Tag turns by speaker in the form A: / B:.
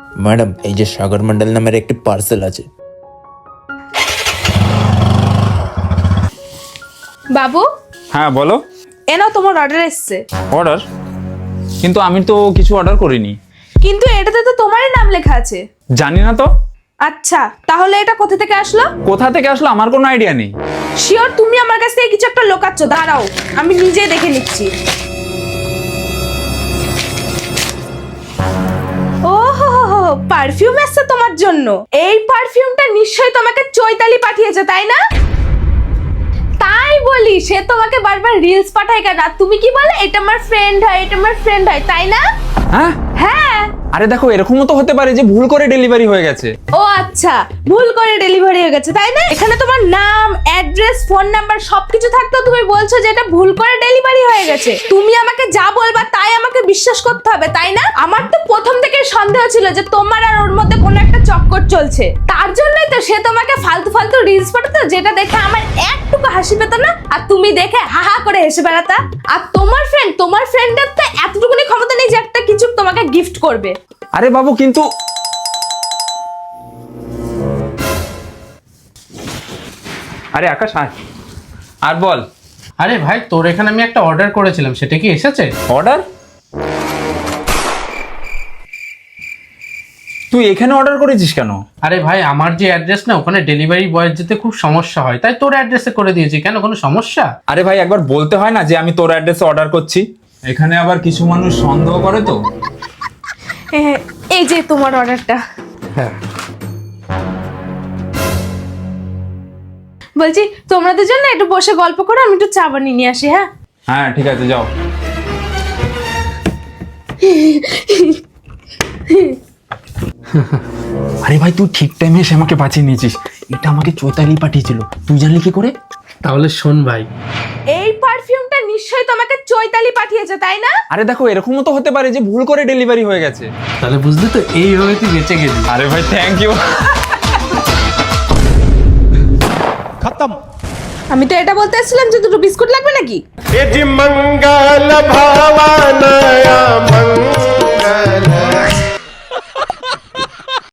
A: Madam, এই যে সাগর মন্ডল নামের একটি পার্সেল আছে।
B: বাবু,
C: হ্যাঁ বলো।
B: নাও তোমার অর্ডার এসছে।
C: অর্ডার? কিন্তু আমি তো কিছু অর্ডার করিনি।
B: কিন্তু এটাতে তো তোমারই নাম লেখা আছে।
C: জানি না তো।
B: আচ্ছা, তাহলে এটা কোথা থেকে আসলো?
C: কোথা থেকে আসলো আমার কোনো আইডিয়া নেই।
B: শিওর তুমি আমার কাছ থেকে কিছু একটা লোকাচ্ছ? দাঁড়াও, আমি নিজে দেখে নিচ্ছি। ওহো, পারফিউম এসছে তোমার জন্য। এই পারফিউমটা নিশ্চয়ই তোমাকে চৈতালি পাঠিয়েছে, তাই না? তাই বলি, সে তোমাকে বারবার রিলস পাঠায় কেন? আর তুমি কি বলে, এটা আমার ফ্রেন্ড হয়, এটা আমার ফ্রেন্ড হয়, তাই না?
C: হ্যাঁ
B: হ্যাঁ।
C: আরে দেখো, এরকমও তো হতে পারে যে ভুল করে ডেলিভারি হয়ে গেছে।
B: ও আচ্ছা, ভুল করে ডেলিভারি হয়ে গেছে, তাই না? এখানে তোমার নাম, অ্যাড্রেস, ফোন নাম্বার সবকিছু থাকতেও তুমি বলছো যে এটা ভুল করে ডেলিভারি হয়ে গেছে। তুমি আমাকে যা বলবা তাই আমাকে বিশ্বাস করতে হবে, তাই না? আমার তো প্রথম থেকে সন্দেহ ছিল যে তোমার আর ওর মধ্যে কোনো একটা চক্কর চলছে। তার জন্যই তো সে তোমাকে ফালতু ফালতু রিলস পাঠাতো, যেটা দেখে আমার একটুকু হাসি পেত না, আর তুমি দেখে হা হা করে হেসে বেড়াতা। আর তোমার ফ্রেন্ডের তো এতটুকুনি ক্ষমতা নেই যে একটা কিছু তোমাকে গিফট করবে।
C: আরে বাবু, কিন্তু আরে আকাশ আয়, আর বল।
D: আরে ভাই, তোর এখানে আমি একটা অর্ডার করেছিলাম, সেটা কি এসেছে?
C: অর্ডার? তুই এখানে অর্ডার করেছিস কেন?
D: আরে ভাই, আমার যে অ্যাড্রেস না, ওখানে ডেলিভারি বয়ের যেতে খুব সমস্যা হয়, তাই তোর অ্যাড্রেসে করে দিয়েছি। কেন, কোনো সমস্যা?
C: আরে ভাই, একবার বলতে হয় না যে আমি তোর অ্যাড্রেসে অর্ডার করছি? এখানে আবার কিছু মানুষ সন্দেহ করে তো।
B: এই যে তোমার অর্ডারটা।
D: হ্যাঁ।
B: বলছি, তোমরা দুজন না একটু বসে গল্প করো, আমি একটু চা বানিয়ে নিয়ে আসি। হ্যাঁ
C: হ্যাঁ ঠিক আছে, যাও। আরে ভাই, তুই ঠিক টাইমে এসে আমাকে বাঁচিয়ে নিয়েছিস। এটা আমাকে চৈতালি পাঠিয়েছিল, তুই জানলি কি করে?
D: তাহলে শোন ভাই,
B: এই পারফিউমটা নিশ্চয়ই তোমাকে চৈতালি পাঠিয়েছে, তাই না?
C: আরে দেখো, এরকমও তো হতে পারে যে ভুল করে ডেলিভারি হয়ে গেছে।
D: তাহলে বুঝলি তো, এইভাবে তুই বেঁচে গেলি।
C: আরে ভাই, থ্যাংক ইউ।
E: खत्म।
B: আমি তো এটা বলতে এসেছিলাম যে দুটো বিস্কুট লাগবে নাকি।
E: मंगल भावनया मंगल